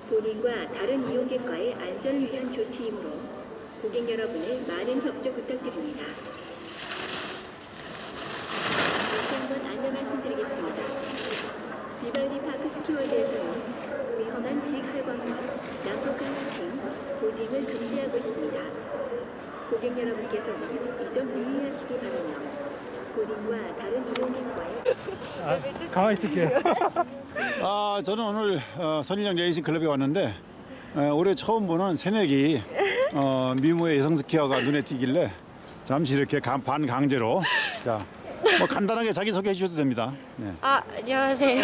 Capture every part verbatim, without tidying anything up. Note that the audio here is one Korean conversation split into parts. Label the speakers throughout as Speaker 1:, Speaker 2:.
Speaker 1: 본인과 다른 이용객과의 안전을 위한 조치이므로 고객 여러분의 많은 협조 부탁드립니다. 다시 한번 안내 말씀드리겠습니다. 비발디 파크 스키월드에서는 위험한 직활광과 난폭한 스킹, 보딩을 금지하고 있습니다. 고객 여러분께서는 이 점 유의하시기 바라며 본인과 다른 이용객과의
Speaker 2: 아, 가만히 있을게요.
Speaker 3: 아, 저는 오늘 어, 선인영 레이싱 클럽에 왔는데 어, 올해 처음 보는 새내기 어, 미모의 여성 스키어가 눈에 띄길래 잠시 이렇게 간, 반강제로 자, 뭐 간단하게 자기소개 해주셔도 됩니다. 네.
Speaker 4: 아, 안녕하세요.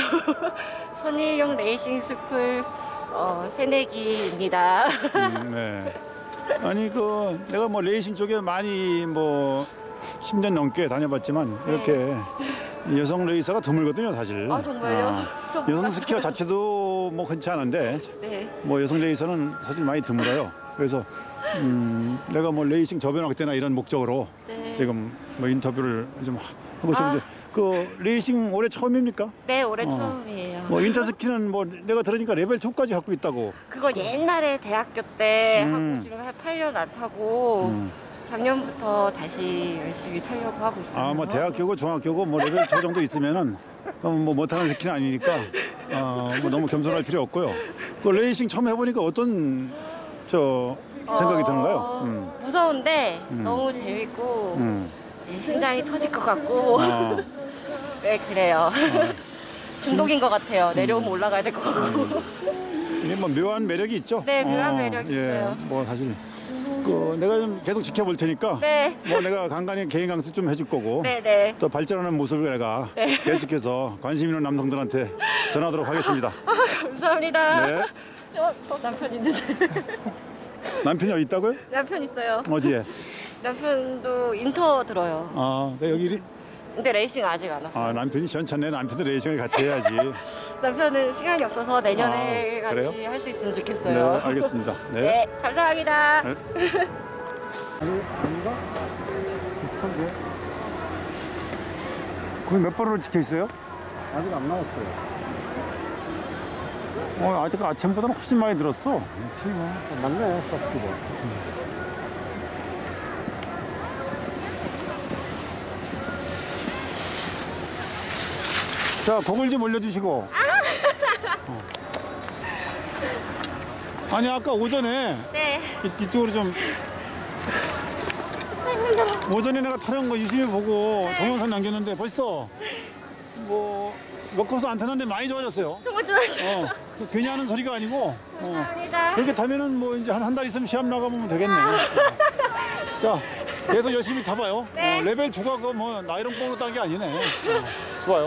Speaker 4: 선일용 레이싱 스쿨 어, 새내기입니다.
Speaker 3: 음, 네. 아니 그 내가 뭐 레이싱 쪽에 많이 뭐 십 년 넘게 다녀봤지만 이렇게 여성 레이서가 드물거든요, 사실.
Speaker 4: 아, 정말요?
Speaker 3: 아,
Speaker 4: 저
Speaker 3: 여성
Speaker 4: 몰랐어요.
Speaker 3: 스키어 자체도 뭐 흔치 않은데
Speaker 4: 네.
Speaker 3: 뭐 여성 레이서는 사실 많이 드물어요. 그래서 음, 내가 뭐 레이싱 저변학 때나 이런 목적으로
Speaker 4: 네.
Speaker 3: 지금 뭐 인터뷰를 좀 하고 싶은데
Speaker 4: 아.
Speaker 3: 그 레이싱 올해 처음입니까?
Speaker 4: 네, 올해
Speaker 3: 어.
Speaker 4: 처음이에요.
Speaker 3: 뭐 인터스키는 뭐 내가 들으니까 레벨 이까지 갖고 있다고.
Speaker 4: 그거 옛날에 대학교 때
Speaker 3: 음.
Speaker 4: 하고 지금 한 팔 년 안 타고
Speaker 3: 음.
Speaker 4: 작년부터 다시 열심히 타려고 하고 있어요.
Speaker 3: 아, 뭐 대학교고 중학교고 뭐 레벨 초 정도 있으면은 그럼 뭐 못하는 스키는 아니니까 어, 뭐 너무 겸손할 필요 없고요. 그 레이싱 처음 해보니까 어떤 저 생각이
Speaker 4: 어,
Speaker 3: 드는가요? 음.
Speaker 4: 무서운데
Speaker 3: 음.
Speaker 4: 너무 재밌고
Speaker 3: 음.
Speaker 4: 네, 심장이 터질 것 같고
Speaker 3: 아,
Speaker 4: 네, 그래요. 중독인 것 같아요. 내려오면
Speaker 3: 음.
Speaker 4: 올라가야 될 것 같고.
Speaker 3: 이게 뭐 묘한 매력이 있죠?
Speaker 4: 네, 묘한 매력이
Speaker 3: 예,
Speaker 4: 있어요.
Speaker 3: 뭐 사실 그 내가 좀 계속 지켜볼 테니까
Speaker 4: 네.
Speaker 3: 뭐 내가 간간히 개인 강습 좀 해줄 거고
Speaker 4: 네, 네.
Speaker 3: 또 발전하는 모습을 내가
Speaker 4: 네.
Speaker 3: 계속해서 관심 있는 남성들한테 전하도록 하겠습니다.
Speaker 4: 아, 감사합니다.
Speaker 3: 네.
Speaker 4: 어, 저 남편 있는데.
Speaker 3: 남편이 어디 있다고요?
Speaker 4: 남편 있어요.
Speaker 3: 어디에?
Speaker 4: 남편도 인터 들어요.
Speaker 3: 아, 내 여기
Speaker 4: 근데 레이싱 아직 안 왔어요.
Speaker 3: 아, 남편이 시원찮네. 남편도 레이싱을 같이 해야지.
Speaker 4: 남편은 시간이 없어서 내년에
Speaker 3: 아,
Speaker 4: 같이
Speaker 3: 그래요?
Speaker 4: 할 수 있으면
Speaker 3: 네,
Speaker 4: 좋겠어요.
Speaker 3: 알겠습니다. 네.
Speaker 4: 네, 감사합니다.
Speaker 3: 네. 아니, 아닌가? 비슷한데? 거기 몇 번으로 찍혀 있어요? 아직 안 나왔어요. 어, 아직 아침보다는 훨씬 많이 늘었어. 지금 맞네, 싹지고. 자, 곡을 좀 올려주시고. 어. 아니, 아까 오전에
Speaker 4: 네.
Speaker 3: 이, 이쪽으로 좀. 오전에 내가 타는 거 유심히 보고
Speaker 4: 네.
Speaker 3: 동영상 남겼는데 벌써 뭐 몇 코스 안 타는데 많이 좋아졌어요.
Speaker 4: 정말 좋아요.
Speaker 3: 어, 괜히 하는 소리가 아니고 어,
Speaker 4: 감사합니다.
Speaker 3: 그렇게 타면은 뭐 이제 한 한 달 있으면 시합 나가보면 되겠네. 어. 자, 계속 열심히 타봐요.
Speaker 4: 네.
Speaker 3: 어, 레벨 이가 그 뭐 나이론 뽕으로 딴 게 아니네. 어, 좋아요.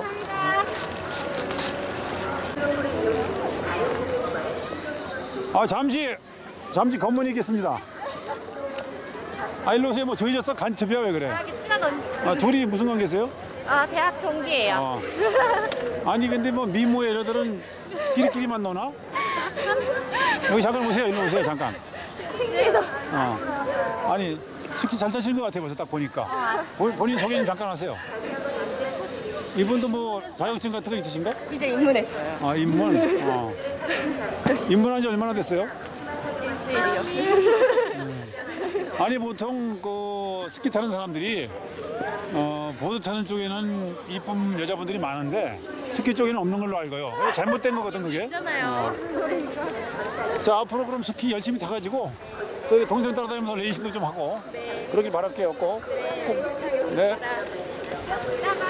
Speaker 3: 아, 잠시 잠시 검문이 있겠습니다. 아, 일로 오세요. 뭐 조이졌어? 간첩이야? 왜 그래?
Speaker 4: 여기 친한 언니.
Speaker 3: 아, 둘이 무슨 관계세요?
Speaker 4: 아, 대학 동기예요.
Speaker 3: 어. 아니 근데 뭐 미모 여자들은 끼리끼리만 노나? 여기 잠깐 오세요. 일로 오세요. 잠깐.
Speaker 4: 창피해서.
Speaker 3: 어. 아니 스키 잘 타시는 것 같아요. 벌써 딱 보니까. 보, 본인 소개 좀 잠깐 하세요. 이분도 뭐 자격증 같은 거 있으신가?
Speaker 4: 이제 입문했어요.
Speaker 3: 아, 입문. 어. 입문한 지 얼마나 됐어요?
Speaker 4: 일주일이요.
Speaker 3: 아니 보통 그 스키 타는 사람들이 어, 보드 타는 쪽에는 이쁜 여자분들이 많은데 스키 쪽에는 없는 걸로 알고요. 그게 잘못된 거거든 그게.
Speaker 4: 있잖아요.
Speaker 3: 자, 앞으로 그럼 스키 열심히 타가지고 또 동생 따라다니면서 레이싱도 좀 하고 그러길 바랄게요. 꼭. 네.